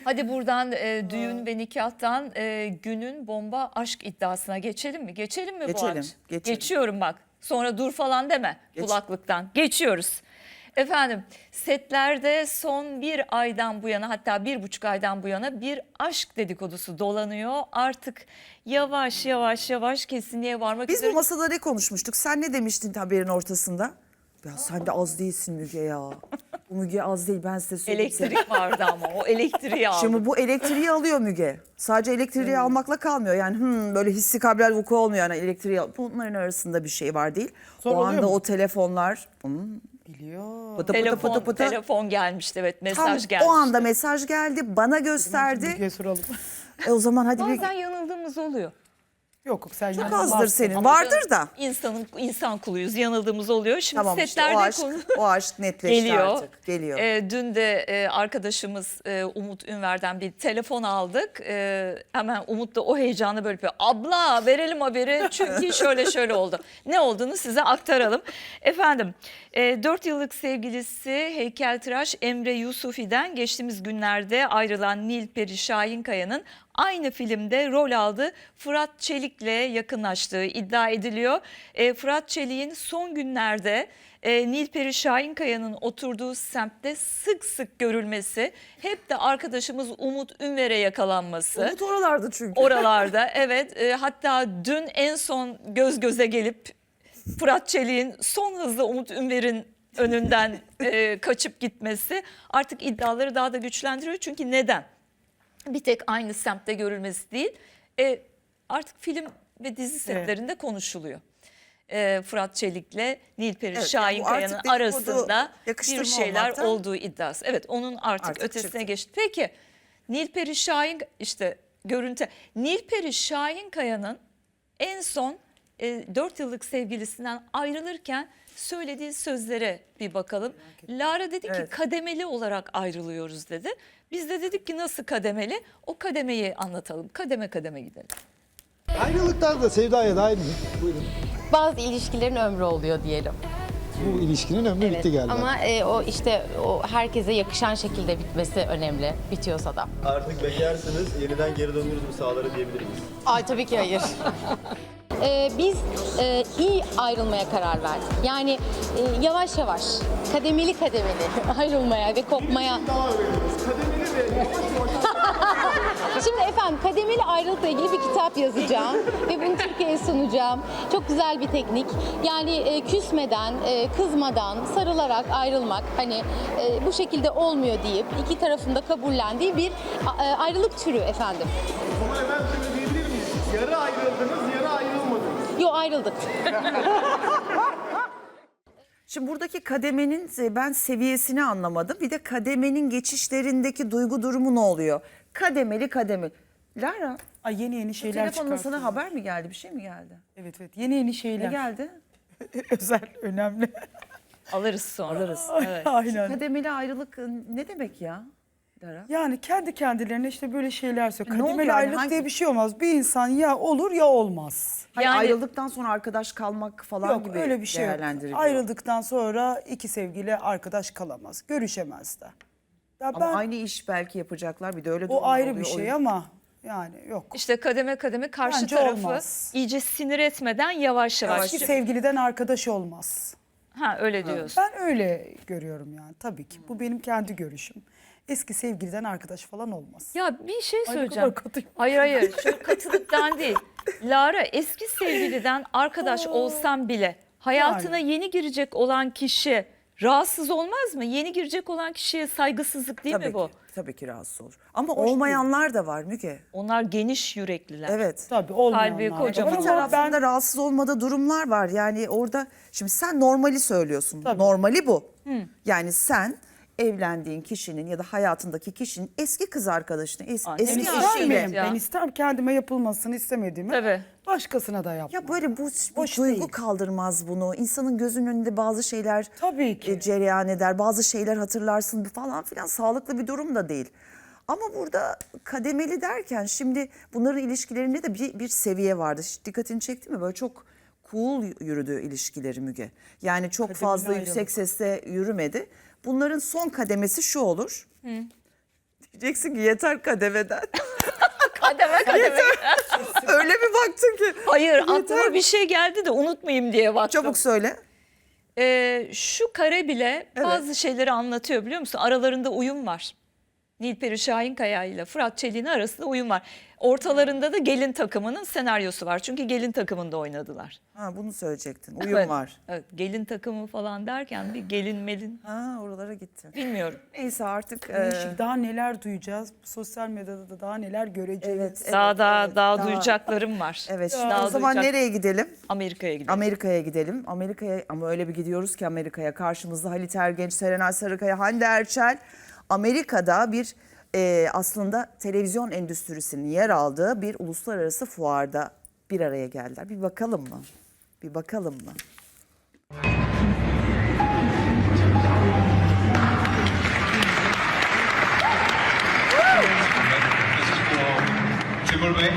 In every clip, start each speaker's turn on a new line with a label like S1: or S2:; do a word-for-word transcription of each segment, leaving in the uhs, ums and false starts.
S1: Hadi buradan e, düğün ve nikahtan e, günün bomba aşk iddiasına geçelim mi? Geçelim mi
S2: Geçelim,
S1: bu akşam?
S2: geçelim.
S1: Geçiyorum bak. Sonra dur falan deme
S2: Geç.
S1: kulaklıktan. Geçiyoruz. Efendim setlerde son bir aydan bu yana, hatta bir buçuk aydan bu yana bir aşk dedikodusu dolanıyor. Artık yavaş yavaş yavaş kesinliğe varmak
S2: Biz
S1: üzere.
S2: bu masada ne konuşmuştuk? Sen ne demiştin haberin ortasında? Ya sen de az değilsin Müge ya. Bu Müge az değil, ben size söyleyeyim.
S1: Elektrik vardı ama o elektriği aldı.
S2: Şimdi bu elektriği alıyor Müge. Sadece elektriği almakla kalmıyor. Yani hmm, böyle hissi kabrel vuku olmuyor. Yani elektriği al- bunların arasında bir şey var değil.
S3: Zor
S2: o
S3: oluyor
S2: anda
S3: mu?
S2: o telefonlar hmm,
S3: Biliyor.
S2: pıtı pıtı
S1: telefon,
S2: pıtı pıtı.
S1: telefon gelmişti, evet,
S2: Tam
S1: mesaj gelmişti.
S2: o anda mesaj geldi, bana gösterdi.
S3: Müge'ye soralım.
S2: E o zaman hadi bir...
S1: Bazen yanıldığımız oluyor.
S3: Yok yok sen
S2: Çok
S3: yanılmazsın.
S2: azdır senin.
S1: Ama
S2: Vardır
S1: canım,
S2: da.
S1: İnsanın, insan kuluyuz, yanıldığımız oluyor. Şimdi
S2: Tamam işte
S1: setlerde
S2: o aşk,
S1: konu
S2: o aşk netleşti
S1: geliyor.
S2: artık. Geliyor.
S1: Ee, dün de e, arkadaşımız e, Umut Ünver'den bir telefon aldık. E, hemen Umut da o heyecanı böyle yapıyor. Abla verelim haberi çünkü şöyle şöyle oldu. Ne olduğunu size aktaralım. Efendim e, dört yıllık sevgilisi heykeltıraş Emre Yusufi'den geçtiğimiz günlerde ayrılan Nilperi Şahinkaya'nın aynı filmde rol aldığı Fırat Çelik'le yakınlaştığı iddia ediliyor. E, Fırat Çelik'in son günlerde e, Nilperi Şahinkaya'nın oturduğu semtte sık sık görülmesi, hep de arkadaşımız Umut Ünver'e yakalanması.
S2: Umut oralarda çünkü.
S1: Oralarda evet, e, hatta dün en son göz göze gelip Fırat Çelik'in son hızla Umut Ünver'in önünden e, kaçıp gitmesi artık iddiaları daha da güçlendiriyor. Çünkü neden? Bir tek aynı semtte görülmesi değil, e, artık film ve dizi setlerinde konuşuluyor. E, Fırat Çelik'le Nilperi
S2: Evet,
S1: Şahinkaya'nın
S2: yani bu artık
S1: arasında
S2: yakıştırma
S1: bir şeyler
S2: olmaktan
S1: olduğu iddiası. Evet, onun artık,
S2: artık
S1: ötesine
S2: çıktı.
S1: geçti. Peki Nilperi Şahin, işte görüntü. Nilperi Şahinkaya'nın en son e, dört yıllık sevgilisinden ayrılırken söylediği sözlere bir bakalım. Lara dedi ki
S2: Evet.
S1: kademeli olarak ayrılıyoruz dedi. Biz de dedik ki nasıl kademeli? O kademeyi anlatalım. Kademe kademe gidelim.
S4: Ayrılıklar da sevdaya dahil mi? Buyurun.
S5: Bazı ilişkilerin ömrü oluyor diyelim.
S4: Bu ilişkinin ömrü
S5: Evet.
S4: bitti galiba.
S5: Ama e, o işte o herkese yakışan şekilde bitmesi önemli. Bitiyorsa da.
S6: Artık bekarsınız, yeniden geri döndünüz mü sahalara diyebilir miyiz?
S5: Ay tabii ki hayır. E, biz e, iyi ayrılmaya karar verdik. Yani e, yavaş yavaş, kademeli kademeli ayrılmaya ve kopmaya. Şimdi efendim kademeli ayrılıkla ilgili bir kitap yazacağım ve bunu Türkiye'ye sunacağım. Çok güzel bir teknik. Yani e, küsmeden, e, kızmadan, sarılarak ayrılmak, hani e, bu şekilde olmuyor deyip iki tarafın da kabullendiği bir a- e, ayrılık türü efendim.
S7: O zaman efendim şöyle diyebilir miyiz? Yarı ayrıldınız, yarı ayrılmadınız.
S5: Yo, ayrıldık.
S2: Şimdi buradaki kademenin ben seviyesini anlamadım. Bir de kademenin geçişlerindeki duygu durumu ne oluyor? Kademeli kademeli. Lara,
S3: Ay yeni yeni şeyler
S2: telefonla sana
S3: çıkartıyor.
S2: haber mi geldi? Bir şey mi geldi?
S3: Evet evet yeni yeni
S2: Ne
S3: şeyler.
S2: geldi?
S3: Özel, önemli.
S1: Alırız sonra.
S2: Alırız.
S1: Evet.
S3: Aynen.
S2: Kademeli ayrılık ne demek ya? Lara?
S3: Yani kendi kendilerine işte böyle şeyler söylüyor.
S2: Ne oluyor
S3: Kademeli
S2: yani?
S3: ayrılık
S2: Hangi-
S3: diye bir şey olmaz. Bir insan ya olur ya olmaz.
S2: Hani
S1: Yani-
S2: ayrıldıktan sonra arkadaş kalmak falan
S3: Yok
S2: gibi
S3: öyle bir şey yok.
S2: değerlendiriliyor.
S3: Ayrıldıktan sonra iki sevgili arkadaş kalamaz. Görüşemez de. Ya
S2: Ama
S3: ben
S2: aynı iş belki yapacaklar. Bir de öyle durumlar
S3: o ayrı
S2: oluyor.
S3: bir
S2: O
S3: şey
S2: yüzden-
S3: ama yani yok.
S1: İşte kademe kademe karşı
S3: Bence
S1: tarafı
S3: olmaz.
S1: iyice sinir etmeden yavaş yavaş.
S3: İki sevgiliden arkadaş olmaz.
S1: Ha, öyle diyorsun.
S3: Ben öyle görüyorum yani tabii ki. Bu benim kendi görüşüm. Eski sevgiliden arkadaş falan olmaz.
S1: Ya bir şey
S3: Ay, ne
S1: söyleyeceğim.
S3: kadar katıyım.
S1: Hayır hayır, şu katılıktan değil. Lara, eski sevgiliden arkadaş olsam bile hayatına yeni girecek olan kişi rahatsız olmaz mı? Yeni girecek olan kişiye saygısızlık değil
S2: Tabii
S1: mi bu?
S2: ki, tabii ki rahatsız olur. Ama olmayanlar da var Müge.
S1: Onlar geniş yürekliler.
S2: Evet.
S3: Tabii olmayanlar.
S1: Kalbi
S3: da
S1: kocaman.
S3: var
S2: Bir
S3: ama
S2: taraftan
S3: ben
S2: da rahatsız olmadığı durumlar var. Yani orada şimdi sen normali söylüyorsun.
S3: Tabii.
S2: Normali bu. Yani sen evlendiğin kişinin ya da hayatındaki kişinin eski kız arkadaşını, es-
S1: Ay,
S2: eski
S1: ne
S3: ister
S1: güzel
S2: eşiyle.
S3: miyim?
S1: ya.
S3: Ben isterim kendime yapılmasını istemediğimi.
S1: Tabii.
S3: Başkasına da yapmam.
S2: Ya böyle bu, bu
S3: Hoş
S2: duygu
S3: değil.
S2: kaldırmaz bunu. İnsanın gözünün önünde bazı şeyler
S3: Tabii ki.
S2: e, cereyan eder. Bazı şeyler hatırlarsın falan filan, sağlıklı bir durum da değil. Ama burada kademeli derken şimdi bunların ilişkilerinde de bir, bir seviye vardı. Hiç dikkatini çekti mi? Böyle çok cool yürüdü ilişkileri Müge. Yani çok
S3: Kademeli
S2: fazla
S3: ayrılık.
S2: yüksek sesle yürümedi. Bunların son kademesi şu olur. Diyeceksin ki yeter kademeden.
S1: Kademe kademe.
S2: Öyle bir baktın ki.
S1: Hayır aklıma bir şey geldi de unutmayayım diye baktım.
S2: Çabuk söyle.
S1: Ee, şu kare bile bazı şeyleri anlatıyor biliyor musun? Aralarında uyum var. Nilperi Şahinkaya ile Fırat Çelik'in arasında uyum var. Ortalarında da gelin takımının senaryosu var. Çünkü gelin takımında oynadılar.
S2: Ha, bunu söyleyecektin. Uyum
S1: Evet,
S2: var.
S1: Evet, gelin takımı falan derken bir gelin melin
S2: Ha, oralara gitti.
S1: bilmiyorum.
S2: Neyse artık. e,
S3: Değişik, daha neler duyacağız. Sosyal medyada da daha neler göreceğiz.
S2: Evet, evet,
S1: daha daha
S2: evet.
S1: daha
S2: Daha-
S1: duyacaklarım var.
S2: Evet. Şimdi
S1: Daha
S2: o zaman
S1: duyacak-
S2: nereye gidelim?
S1: Amerika'ya gidelim.
S2: Amerika'ya gidelim. Amerika'ya ama öyle bir gidiyoruz ki Amerika'ya. Karşımızda Halit Ergenç, Serenay Sarıkaya, Hande Erçel. Amerika'da bir e, aslında televizyon endüstrisinin yer aldığı bir uluslararası fuarda bir araya geldiler. Bir bakalım mı? Bir bakalım mı?
S8: Triple Bay.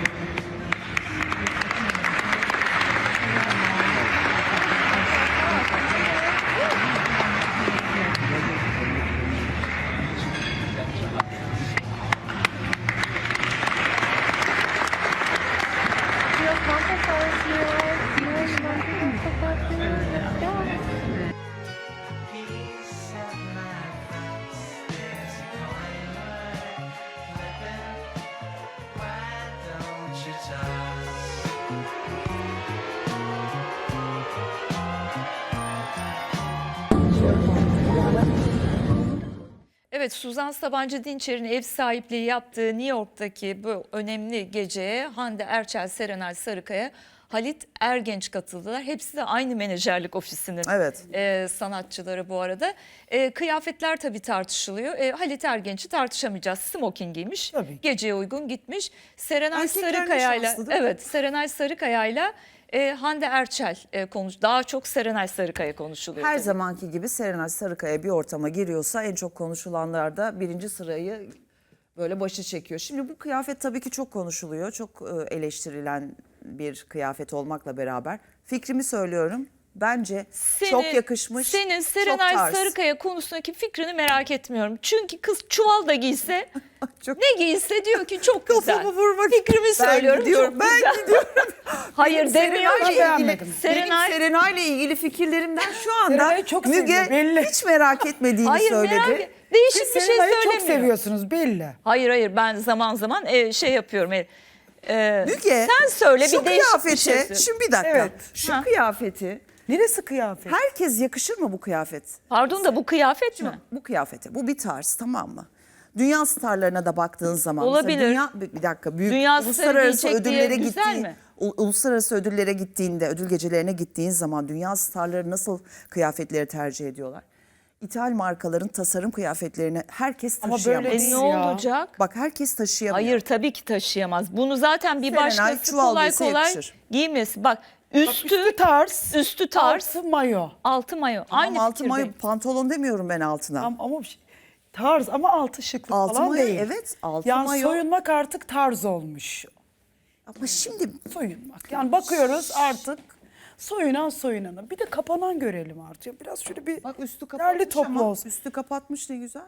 S1: Evet, Suzan Sabancı Dinçer'in ev sahipliği yaptığı New York'taki bu önemli geceye Hande Erçel, Serenay Sarıkaya, Halit Ergenç katıldılar. Hepsi de aynı menajerlik ofisinin
S2: Evet.
S1: e, sanatçıları bu arada. E, kıyafetler tabii tartışılıyor. E, Halit Ergenç'i tartışamayacağız. Smoking giymiş.
S3: Tabii.
S1: Geceye uygun gitmiş. Serenay
S2: Erkekler ne
S1: Sarıkaya'yla
S2: şanslı değil mi?
S1: evet, Serenay Sarıkaya'yla e, Hande Erçel e, konuş. Daha çok Serenay Sarıkaya konuşuluyor.
S2: Her
S1: tabii.
S2: zamanki gibi Serenay Sarıkaya bir ortama giriyorsa en çok konuşulanlar da birinci sırayı böyle başı çekiyor. Şimdi bu kıyafet tabii ki çok konuşuluyor. Çok e, eleştirilen bir kıyafet olmakla beraber. Fikrimi söylüyorum. Bence
S1: Senin-
S2: çok yakışmış.
S1: Senin
S2: çok
S1: Serenay
S2: tarz.
S1: Sarıkaya konusundaki fikrini merak etmiyorum. Çünkü kız çuval da giyse,
S2: Çok-
S1: ne giyse diyor ki çok güzel.
S2: Kafamı vurmak.
S1: Fikrimi
S2: Ben
S1: söylüyorum
S2: gidiyorum,
S1: çok
S2: ben
S1: güzel.
S2: gidiyorum.
S1: Hayır demiyor
S2: Serenay'la
S1: ki.
S2: ilgili,
S3: beğenmedim.
S1: Serenay-
S2: benim Serenay'la ilgili fikirlerimden şu anda
S3: Serenay'ı çok
S2: Müge
S3: seviyor, belli.
S2: hiç merak etmediğini
S1: Hayır
S2: söyledi.
S1: merak et- Değişik
S3: Siz
S1: bir şey
S3: Serenay'ı
S1: söylemiyor.
S3: çok seviyorsunuz belli.
S1: Hayır hayır ben zaman zaman e, şey yapıyorum. E, e,
S2: Müge,
S1: sen söyle
S2: şu
S1: bir değişik bir
S2: kıyafeti,
S1: şey söyle.
S2: şimdi bir dakika.
S3: Evet.
S2: Şu
S1: Ha.
S2: kıyafeti
S3: Neresi kıyafet?
S2: herkes yakışır mı bu kıyafet?
S1: Pardon da bu kıyafet mi?
S2: Bu kıyafete. Bu bir tarz, tamam mı? Dünya starlarına da baktığın zaman. mesela
S1: Olabilir.
S2: Dünya, bir bir dakika. Büyük
S1: Dünya starı
S2: uluslararası
S1: giyecek diye
S2: ödüllere
S1: güzel
S2: gittiği,
S1: mi?
S2: u- uluslararası ödüllere gittiğinde, ödül gecelerine gittiğin zaman dünya starları nasıl kıyafetleri tercih ediyorlar? İthal markaların tasarım kıyafetlerini herkes
S3: Ama
S2: taşıyamaz.
S3: böyle
S1: E
S3: değil
S1: ne
S3: ya.
S1: olacak?
S2: Bak herkes taşıyamıyor.
S1: Hayır tabii ki taşıyamaz. Bunu zaten bir
S2: Serenay
S1: başkası
S2: çuval
S1: kolay
S2: giyse
S1: kolay
S2: yakışır.
S1: giymesi. Bak
S3: Bak,
S1: üstü,
S3: üstü tarz.
S1: üstü tarz,
S3: Altı mayo.
S1: altı mayo.
S2: Tamam,
S1: Aynı
S2: altı mayo,
S1: fikirdeyim.
S2: pantolon demiyorum ben altına.
S3: Ama, ama bir şey- tarz ama altı şıklık
S2: Altı
S3: falan
S2: mayo,
S3: değil.
S2: evet, altı
S3: yani
S2: mayo.
S3: soyunmak artık tarz olmuş.
S2: Ama şimdi
S3: Soyunmak. Yani bakıyoruz artık soyunan soyunana. Bir de kapanan görelim artık. Biraz şöyle bir
S2: bak üstü
S3: derli
S2: kapatmış
S3: toplu
S2: ama
S3: olsun.
S2: üstü kapatmış ne güzel.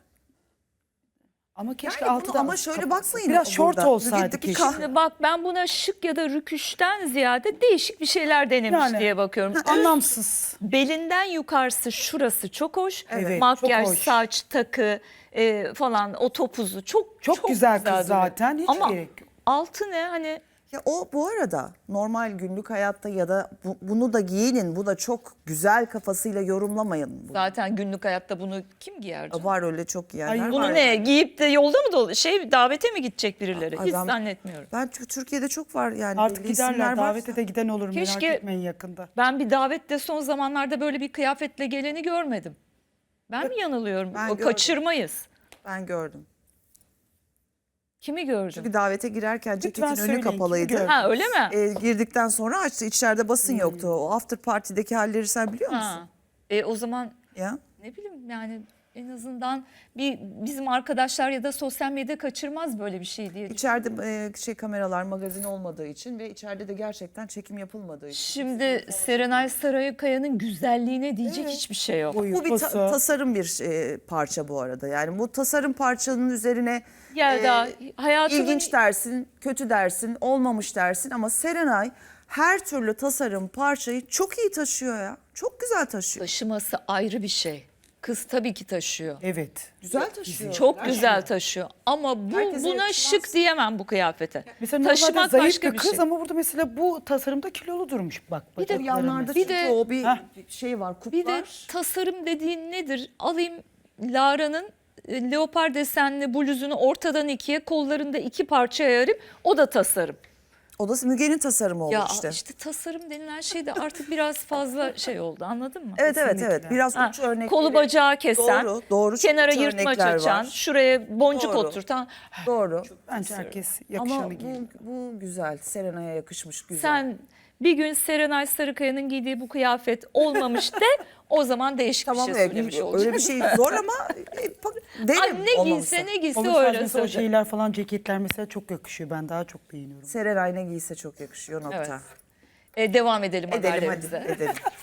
S3: Ama keşke
S2: Yani
S3: altı
S2: bunu
S3: da
S2: ama şöyle
S3: kapatsa.
S2: bakmayın
S3: Biraz şort
S2: burada.
S3: olsaydı
S2: Bir- bir
S3: keşke.
S2: kah-
S1: Şimdi bak ben buna şık ya da rüküşten ziyade değişik bir şeyler denemiş
S3: Yani.
S1: diye bakıyorum.
S3: Anlamsız.
S1: Belinden yukarısı şurası çok hoş.
S3: Evet,
S1: Makyaj,
S3: çok hoş.
S1: saç, takı e, falan o topuzu çok
S3: Çok güzel kız
S1: duruyor.
S3: zaten, hiç
S1: Ama
S3: gerek yok.
S1: altı ne hani
S2: Ya o bu arada normal günlük hayatta ya da bu- bunu da giyinin, bu da çok güzel kafasıyla yorumlamayın. Bu.
S1: zaten günlük hayatta bunu kim giyer canım?
S2: Var öyle çok giyenler
S3: Ay,
S2: var.
S1: Bunu ne giyip de yolda mı dolu şey davete mi gidecek birileri?
S2: Ay
S1: Hiç
S2: ben-
S1: zannetmiyorum.
S2: Ben Tü- Türkiye'de çok var yani.
S3: Artık
S2: belli isimler
S3: giderler.
S2: var.
S3: Davete de giden olur merak
S1: Keşke-
S3: etmeyin yakında.
S1: Ben bir davette son zamanlarda böyle bir kıyafetle geleni görmedim. Ben mi yanılıyorum?
S2: Ben
S1: O
S2: gördüm.
S1: Kaçırmayız.
S2: Ben gördüm.
S1: Kimi gördüm?
S2: Çünkü davete girerken ceketin önü
S3: söyleyin, kimi
S2: kapalıydı.
S3: gördün?
S1: Ha öyle mi?
S2: E, girdikten sonra açtı. İçeride basın yoktu. O after party'deki halleri sen biliyor musun?
S1: Ha. E, o zaman
S2: Ya.
S1: ne bileyim yani En azından bir bizim arkadaşlar ya da sosyal medya kaçırmaz böyle bir şey diye.
S2: İçeride e, şey kameralar, magazin olmadığı için ve içeride de gerçekten çekim yapılmadığı için.
S1: Şimdi Serenay Sarıkaya'nın güzelliğine diyecek hiçbir şey yok.
S3: Boyu,
S2: Bu bir ta-
S3: posu.
S2: tasarım bir e, parça bu arada. Yani bu tasarım parçanın üzerine
S1: Yelda, hayatımın
S2: ilginç dersin, kötü dersin, olmamış dersin ama Serenay her türlü tasarım parçayı çok iyi taşıyor ya. Çok güzel taşıyor.
S1: taşıması ayrı bir şey. Kız tabii ki taşıyor.
S3: Evet.
S2: Güzel taşıyor.
S1: Çok güzel taşıyor. Ama bu
S2: Herkese
S1: buna
S2: yakışmaz.
S1: şık diyemem bu kıyafete.
S3: Mesela
S1: Taşımak
S3: normalde zayıf
S1: başka
S3: bir
S1: bir
S3: kız
S1: şey.
S3: ama burada mesela bu tasarımda kilolu durmuş bak.
S2: Bir de
S3: bacakları
S2: yanlarda
S1: Bir
S2: çünkü
S1: de-
S2: o bir
S3: Heh.
S2: bir şey var, kup
S1: Bir de
S2: var.
S1: tasarım dediğin nedir? Alayım Lara'nın e, leopar desenli bluzunu ortadan ikiye, kollarında iki parça ayarayım. O da tasarım.
S2: O da Müge'nin tasarımı oldu
S1: Ya
S2: işte.
S1: işte tasarım denilen şey de artık biraz fazla şey oldu, anladın mı?
S2: Evet evet
S3: Kesinlikle.
S2: evet. Biraz
S1: Ha,
S2: uç örnekleri.
S1: kolu bacağı kesen,
S2: Doğru, doğru. Çok
S1: kenara
S2: uç
S1: yırtmaç
S2: örnekler
S1: açan,
S2: var.
S1: şuraya boncuk
S2: Doğru.
S1: oturtan.
S2: Doğru.
S3: Bence herkes
S2: Ama
S3: yakışanı giyiyor.
S2: bu, bu güzel. Serenay'a yakışmış güzel.
S1: Sen bir gün Serenay Sarıkaya'nın giydiği bu kıyafet olmamış de o zaman değişik
S2: tamam
S1: bir şey
S2: öyle,
S1: söylemiş olacağım.
S2: öyle bir şey zor ama e, bak- derim
S1: Ay, ne
S2: olmamışsa.
S1: giyse ne giyse
S3: Onun tarzı
S1: öyle
S3: mesela o
S1: söyleyecek.
S3: şeyler falan ceketler mesela çok yakışıyor. Ben daha çok beğeniyorum.
S2: Serenay ne giyse çok yakışıyor nokta.
S1: Evet. E, devam edelim
S2: Edelim hadi
S1: haberlerimize.
S2: edelim.